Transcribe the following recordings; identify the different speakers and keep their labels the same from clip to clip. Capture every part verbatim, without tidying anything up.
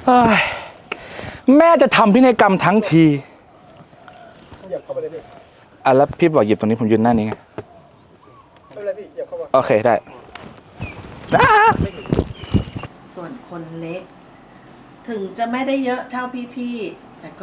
Speaker 1: แม่จะทำพินัยกรรมทั้งทีอ่ะแล้วพี่บอกหยิบตรงนี้ผมยืนหน้านี้ไงไม่เป็นไรพี่หยิบเข้ามาโอเคได้
Speaker 2: ส่วนคนเล็ก ถึงจะไม่ได้เยอะเท่าพี่ๆแต่ก็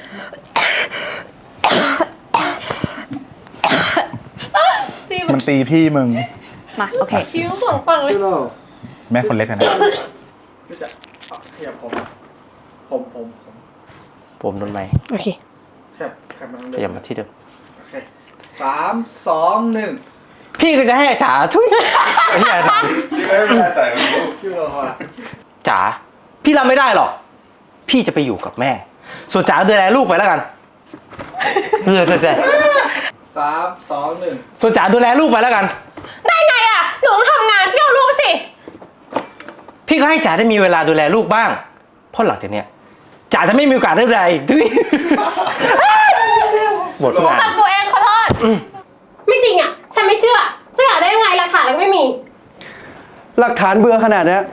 Speaker 1: มันตีพี่มึง
Speaker 3: มาโอเค
Speaker 2: คิ้วสองฝั่งเลย
Speaker 1: แม่คนเล็กนะ
Speaker 4: พี่จะขยับผมผมผมผม
Speaker 5: ผมโดนไหม
Speaker 3: โอเค
Speaker 4: ขยับขยับมาทาง
Speaker 5: ข
Speaker 4: เดิ
Speaker 5: ยับ
Speaker 4: ม
Speaker 5: มาที่เดิม
Speaker 4: โอเคสามสองหนึ่ง
Speaker 5: พี่ก็จะให้จ๋าทุยไอ้เหี้ย
Speaker 4: พี่ไม่ไม่แน่ใจไม่รู้พี่รอคอย
Speaker 5: จ๋าพี่รับไม่ได้หรอกพี่จะไปอยู่กับแม่ ส่วนจ๋าดูแลลูกไปแล้วกันเออใช่
Speaker 4: สามสองหนึ่ง
Speaker 5: ส่วนจ๋าดูแลลูกไปแล้วกัน
Speaker 3: ได้ไงอ่ะ หนูต้องทำงานพี่เอาลูกสิ
Speaker 5: พี่ก็ให้จ๋าได้มีเวลาดูแลลูกบ้างเพราะหลังจากเนี้ยจ๋าจะไม่มีโอกาสได้ดูแลอีกด้วยหมดทุกงาน
Speaker 3: ทำตัวเองขอโทษ ไม่จริงอ่ะ ฉันไม่เชื่อ จะอยากได้ยังไงหลักฐานแล้วไม่มี
Speaker 6: หลักฐานเบื่อขนาดเนี้ย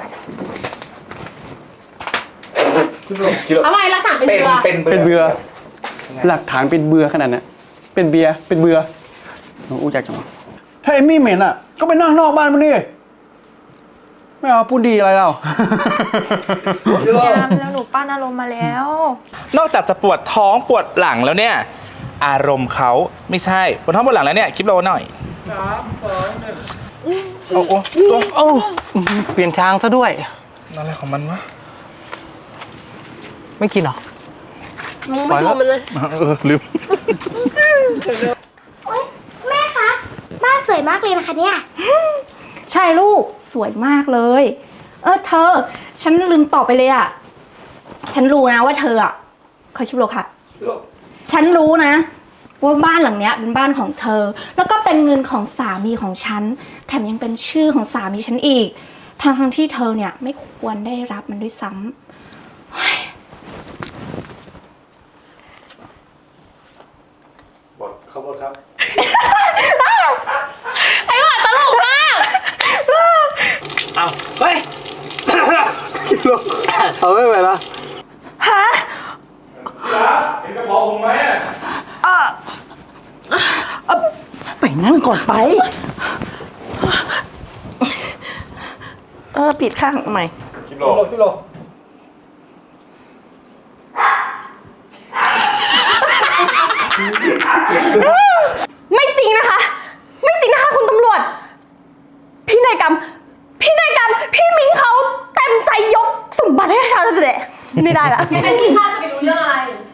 Speaker 3: ทำไมหลักฐานเป็นเบือ
Speaker 6: เป็นเบื่อหลักฐานเป็นเบื่อขนาดเนี้ยเป็นเบียร์เป็นเบื่อน้องอู้จักจังวะถ้าเอมมี่เหม็นอ่ะ ก็ไปนั่งนอกบ้านมันดิไม่เอาพูดดีอะไรเรา
Speaker 7: แล้วหนูป้านอารมณ์มาแล้ว
Speaker 1: นอกจากจะปวดท้องปวดหลังแล้วเนี่ย อารมณ์เขาไม่ใช่ปวดท้องปวดหลังแล้วเนี่ยคลิปโลหน่อย
Speaker 4: สามสองหนึ่ง
Speaker 1: โอ้โอ้ตัว
Speaker 5: โอ้เปลี่ยนทางซะด้วย
Speaker 1: อะไรของมันวะ
Speaker 5: ไม่กินหรอ
Speaker 3: มึงไม่ดูมันเลย
Speaker 1: เออลืม
Speaker 8: แม่คะบ้านสวยมากเลยนะคะเนี่ย
Speaker 7: ใช่ลูกสวยมากเลย เออเธอ ฉันลืมตอบไปเลยอ่ะ ฉันรู้นะว่าเธออ่ะขอชิบโลค่ะ ฉันรู้นะ ว่าบ้านหลังเนี้ยเป็นบ้านของเธอ แล้วก็เป็นเงินของสามีของฉัน แถมยังเป็นชื่อของสามีฉันอีกทางทางๆที่เธอเนี่ยไม่ควรได้รับมันด้วยซ้ำเฮ้ย
Speaker 4: บทขบวนครับ
Speaker 3: ไอ้หว่าตลกมาก
Speaker 5: เอาเฮ้ย
Speaker 6: เอาไม่ไปละ
Speaker 4: เห็นกระเพาะผมไหม
Speaker 2: ไปนั่งก่อนไป เออปิดข้างใหม่
Speaker 4: คลิปโลคลิปโล
Speaker 3: ไม่จริงนะคะ ไม่จริงนะคะคุณตำรวจ พี่นายกรรม พี่นายกรรม พี่มิงเขาเต็มใจยกสมบัติให้ชาวเด็กไม่ได้ละงั้นพี่ข้าจะไปรู้เรื่องอะไร